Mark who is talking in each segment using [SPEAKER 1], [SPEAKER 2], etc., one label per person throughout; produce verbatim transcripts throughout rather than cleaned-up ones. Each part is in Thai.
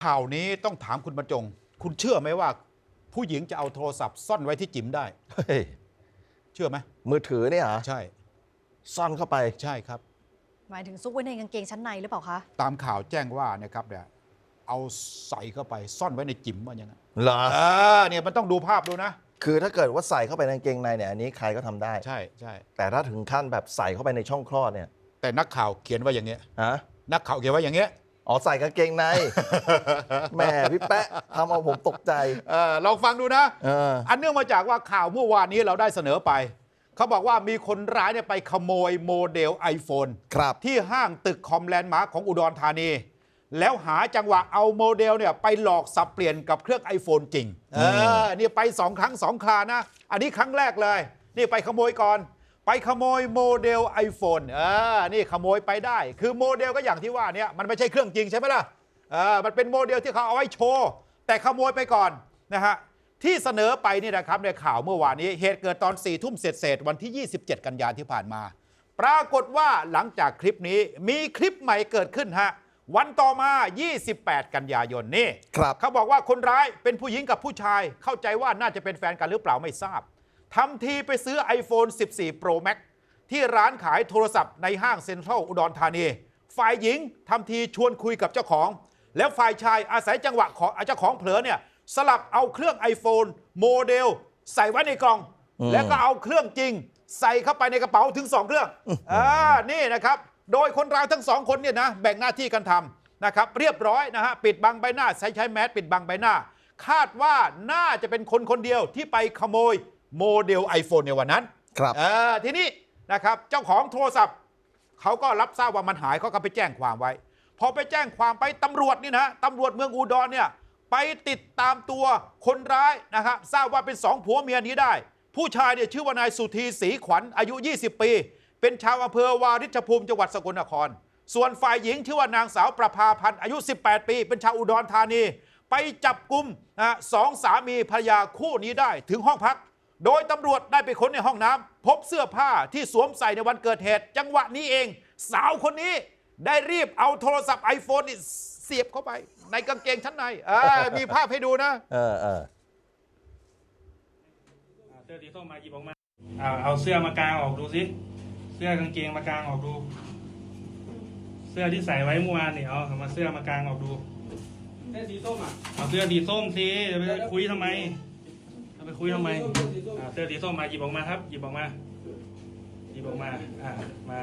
[SPEAKER 1] ข่าวนี้ต้องถามคุณบรรจง คุณเชื่อไหมว่า ผู้หญิงจะเอาโทรศัพท์ซ่อนไว้ที่จิ๋มได้
[SPEAKER 2] เฮ้ย
[SPEAKER 1] เชื่อไหม
[SPEAKER 2] มือถือเนี่ยเหรอ
[SPEAKER 1] ใช่
[SPEAKER 2] ซ่อนเข้าไป
[SPEAKER 1] ใช่ครับ
[SPEAKER 3] หมายถึงซุกไว้ในกางเกงชั้นในหรือเปล่าคะ
[SPEAKER 1] ตามข่าวแจ้งว่านะครับเนี่ยเอาใส่เข้าไปซ่อนไว้ในจิ๋มว่าอย่างนั้น
[SPEAKER 2] เหรอ
[SPEAKER 1] เออเนี่ยมันต้องดูภาพดูนะ
[SPEAKER 2] คือถ้าเกิดว่าใส่เข้าไปในกางเกงในเนี่ยอันนี้ใครก็ทำได้
[SPEAKER 1] ใช่ใช่
[SPEAKER 2] แต่ถ้าถึงขั้นแบบใส่เข้าไปในช่องคลอดเนี่ย
[SPEAKER 1] แต่นักข่าวเขียนว่าอย่างเงี้ย
[SPEAKER 2] ฮะ
[SPEAKER 1] นักข่าวเขียนว่าอย่างเงี้ย
[SPEAKER 2] อ๋อใส่กางเกงในแม่พี่แป๊ะทำเอาผมตกใจ
[SPEAKER 1] เออลองฟังดูนะ
[SPEAKER 2] เออ
[SPEAKER 1] อันเนื่องมาจากว่าข่าวเมื่อวานนี้เราได้เสนอไปเขาบอกว่ามีคนร้ายเนี่ยไปขโมยโมเดล iPhone
[SPEAKER 2] ครับ
[SPEAKER 1] ที่ห้างตึกคอมแลนด์มาร์คของอุดรธานีแล้วหาจังหวะเอาโมเดลเนี่ยไปหลอกสับเปลี่ยนกับเครื่อง iPhone จริงเออนี่ไปสองครั้งสองครานะอันนี้ครั้งแรกเลยนี่ไปขโมยก่อนไปขโมยโมเดล iPhone เออนี่ขโมยไปได้คือโมเดลก็อย่างที่ว่าเนี่ยมันไม่ใช่เครื่องจริงใช่ไหมล่ะเออมันเป็นโมเดลที่เขาเอาไว้โชว์แต่ขโมยไปก่อนนะฮะที่เสนอไปนี่นะครับในข่าวเมื่อวานนี้เหตุเกิดตอนสี่ทุ่มเศษวันที่ยี่สิบเจ็ดกันยายนที่ผ่านมาปรากฏว่าหลังจากคลิปนี้มีคลิปใหม่เกิดขึ้นฮะวันต่อมายี่สิบแปดกันยายนนี่เขาบอกว่าคนร้ายเป็นผู้หญิงกับผู้ชายเข้าใจว่าน่าจะเป็นแฟนกันหรือเปล่าไม่ทราบทำทีไปซื้อ iPhone สิบสี่ Pro Max ที่ร้านขายโทรศัพท์ในห้างเซ็นทรัลอุดรธานีฝ่ายหญิงทำทีชวนคุยกับเจ้าของแล้วฝ่ายชายอาศัยจังหวะของเจ้าของเผลอเนี่ยสลับเอาเครื่อง iPhone โมเดลใส่ไว้ในกล่องแล้วก็เอาเครื่องจริงใส่เข้าไปในกระเป๋าถึงสองเครื่องอ่านี่นะครับโดยคนร้ายทั้งสองคนเนี่ยนะแบ่งหน้าที่กันทำนะครับเรียบร้อยนะฮะปิดบังใบหน้าใช้ใช้แมสปิดบังใบหน้าคาดว่าน่าจะเป็นคนคนเดียวที่ไปขโมยโมเดล iPhone ในวันนั้น
[SPEAKER 2] ครับ
[SPEAKER 1] เออทีนี้นะครับเจ้าของโทรศัพท์เขาก็รับทราบว่ามันหายเขาก็ไปแจ้งความไว้พอไปแจ้งความไปตำรวจนี่นะตำรวจเมืองอุดรเนี่ยไปติดตามตัวคนร้ายนะครับทราบว่าเป็นสองผัวเมียนี้ได้ผู้ชายเนี่ยชื่อว่านายสุธีศรีขวัญอายุยี่สิบปีเป็นชาวอำเภอวาริชภูมิจังหวัดสกลนครส่วนฝ่ายหญิงชื่อว่านางสาวประภาพันธ์อายุสิบแปดปีเป็นชาวอุดรธานีไปจับกุมนะสองสามีภรรยาคู่นี้ได้ถึงห้องพักโดยตำรวจได้ไปค้นในห้องน้ำพบเสื้อผ้าที่สวมใส่ในวันเกิดเหตุจังหวะนี้เองสาวคนนี้ได้รีบเอาโทรศัพท์ iPhone นี่เสียบเข้าไปในกางเกงชั้นในมีภาพให้ดูนะ
[SPEAKER 2] เออเออ
[SPEAKER 4] เสื้อสีส้มมาหยิบออกมาเอาเอาเสื้อมากางออกดูสิเสื้อกางเกงมากางออกดูเสื้อที่ใส่ไว้เมื่อวานเนี่ยเอามาเสื้อมากางออกดู
[SPEAKER 5] เสื้อสีส้มอ่ะ
[SPEAKER 4] เอาเสื้อสีส้มสิจะไปคุยทำไมจะไปคุยทำไมเสื้อสีส้มมาหยิบออกมาครับหยิบออกมาหยิบออกมาอ่ามา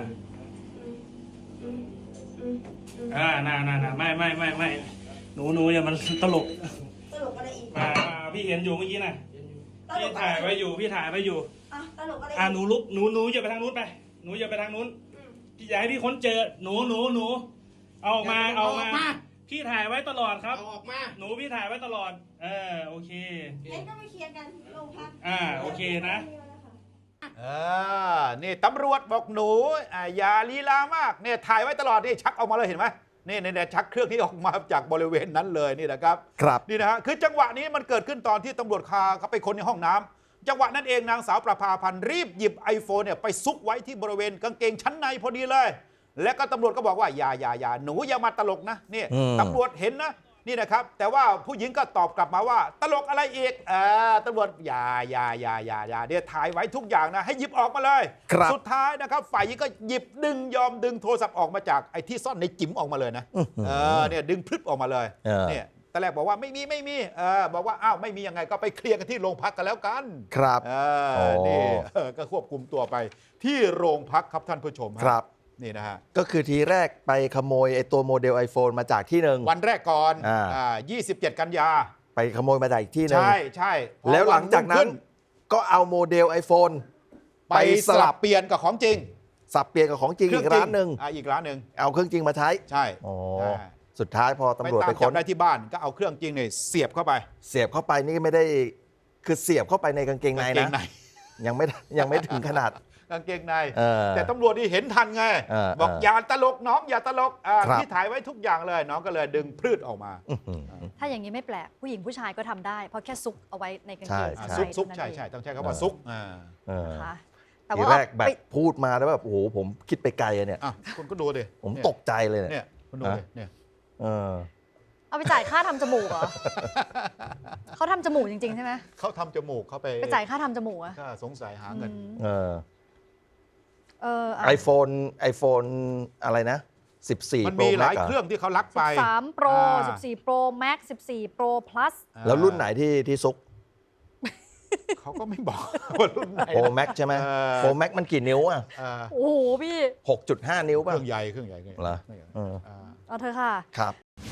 [SPEAKER 4] อ่าน่าน่าน่าไม่ไม่ไม่ไม่หนูหนูอย่ามันตลก
[SPEAKER 6] ตลกอะไรอีก
[SPEAKER 4] มาพี่เห็นอยู่เมื่อกี้น่ะพี่ถ่ายไว้อยู่พี่ถ่ายไว้อยู่
[SPEAKER 6] อ่ะตลกอะไร
[SPEAKER 4] อ่าหนูลุกหนูหนูอย่าไปทางนู้นไปหนูอย่าไปทางนู้นพี่อยากให้พี่ค้นเจอหนูหนูหนูเอาออกมาเอาออกมาพี่ถ่ายไว้ตลอดครับ
[SPEAKER 5] เอาออกมา
[SPEAKER 4] หนูพี่ถ่ายไว้ตลอดเออโอเค
[SPEAKER 6] งั้นก็มาเคลียร์กันโรงพัก
[SPEAKER 4] อ่าโอเคนะ
[SPEAKER 1] เออนี่ตำรวจบอกหนูอย่าลีลามากเนี่ยถ่ายไว้ตลอดนี่ชักออกมาเลยเห็นไหมนี่เนี่ยชักเครื่องนี้ออกมาจากบริเวณนั้นเลยนี่นะครับ
[SPEAKER 2] ครับ
[SPEAKER 1] นี่นะฮะคือจังหวะนี้มันเกิดขึ้นตอนที่ตำรวจคาเขาไปค้นในห้องน้ำจังหวะนั้นเองนางสาวประภาพันธ์รีบหยิบ iPhone เนี่ยไปซุกไว้ที่บริเวณกางเกงชั้นในพอดีเลยและก็ตำรวจก็บอกว่าอย่าอย่าอย่าหนูอย่ามาตลกนะนี่ตำรวจเห็นนะนี่นะครับแต่ว่าผู้หญิงก็ตอบกลับมาว่าตลกอะไรอีกเออตำรวจอย่าอย่าอย่าอย่าอย่าเดี๋ยวถ่ายไว้ทุกอย่างนะให้หยิบออกมาเลยสุดท้ายนะครับฝ่ายหญิงก็หยิบดึงยอมดึงโทรศัพท์ออกมาจากไอ้ที่ซ่อนในจิ๋มออกมาเลยนะเออเนี่ยดึงพลึบออกมาเลยเนี่ยตอนแรกบอกว่าไม่มีไม่มีเออบอกว่าอ้าวไม่มียังไงก็ไปเคลียร์กันที่โรงพักกันแล้วกัน
[SPEAKER 2] ครับ
[SPEAKER 1] เออนี่ก็ควบคุมตัวไปที่โรงพักครับท่านผู้ชม
[SPEAKER 2] ครับ
[SPEAKER 1] นี่นะฮะ
[SPEAKER 2] ก็คือทีแรกไปขโมยไอ้ตัวโมเดล iPhone มาจากที่หนึ่ง
[SPEAKER 1] วันแรกก่อนอ่ายี่สิบเจ็ดกันยา
[SPEAKER 2] ไปขโมยมาจากอีกที่หนึ่ง
[SPEAKER 1] ใช่ใช่
[SPEAKER 2] แล้วหลังจากนั้นก็เอาโมเดล iPhone
[SPEAKER 1] ไปสลับเปลี่ยนกับของจริง
[SPEAKER 2] สับเปลี่ยนกับของจริงอีกร้านหนึ่ง
[SPEAKER 1] อ่าอีกร้านหนึ่ง
[SPEAKER 2] เอาเครื่องจริงมาใช้
[SPEAKER 1] ใช่
[SPEAKER 2] อ๋อสุดท้ายพอตำรวจไปค้น
[SPEAKER 1] ได้ที่บ้านก็เอาเครื่องจริงเนี่ยเสียบเข้าไป
[SPEAKER 2] เสียบเข้าไปนี่ไม่ได้คือเสียบเข้าไปในกางเกงในนะยังไม่ยังไม่ถึงขนาด
[SPEAKER 1] กางเกงในแต่ตำรวจนี่เห็นทันไงบอกอย่าตลกน้องอย่าตลกที่ถ่ายไว้ทุกอย่างเลยน้องก็เลยดึงพืชออกมา
[SPEAKER 3] ถ้าอย่างนี้ไม่แปลกผู้หญิงผู้ชายก็ทำได้เพราะแค่ซุกเอาไว้ในกางเกง
[SPEAKER 1] ซุกซุกใช่ใช่ต้องใช้คำว่าซุก
[SPEAKER 2] แต่ว่าแรกแบบพูดมาแล้วแบบโอ้โหผมคิดไปไกลเนี่ย
[SPEAKER 1] คุณก็ดูดิ
[SPEAKER 2] ผมตกใจเลย
[SPEAKER 1] เนี่ยคุณดูดิเนี่ย
[SPEAKER 3] เอาไปจ่ายค่าทำจมูกเหรอ เขาทำจมูกจริง ๆ ใช่ไหม
[SPEAKER 1] เขาทำจมูกเขาไป
[SPEAKER 3] ไปจ่ายค่าทำจมูกอะ
[SPEAKER 1] ก็สงสัยหาเงิน
[SPEAKER 3] อืม
[SPEAKER 2] เออ
[SPEAKER 3] เอออะ
[SPEAKER 2] ไอโฟนไอโฟนอะไรนะ สิบสี่
[SPEAKER 1] มัน
[SPEAKER 2] Pro
[SPEAKER 1] มีหลาย
[SPEAKER 2] Max
[SPEAKER 1] เครื่องที่เขาลักไป
[SPEAKER 3] สิบสาม Pro
[SPEAKER 1] อ่า
[SPEAKER 3] สิบสี่ Pro Max สิบสี่ Pro Plus
[SPEAKER 2] แล้วรุ่นไหนที่ที่ซุก
[SPEAKER 1] เขาก็ไม่บอกว่ารุ่นไหน
[SPEAKER 2] Pro Max ใช่ไหม
[SPEAKER 1] เออ
[SPEAKER 2] Pro Max มันกี่นิ้วอ่ะ
[SPEAKER 1] เออ
[SPEAKER 3] โอ้โหพี่
[SPEAKER 2] หกจุดห้า นิ้ว
[SPEAKER 1] เค
[SPEAKER 2] ป่ะ
[SPEAKER 1] รื่องใหญ่เครื่องใหญ่เครื่องใหญ่
[SPEAKER 2] เหรอ
[SPEAKER 1] เครื่องใหญ่
[SPEAKER 2] เออ
[SPEAKER 1] อ่า
[SPEAKER 3] เอาเธอะค่ะ
[SPEAKER 2] ครับ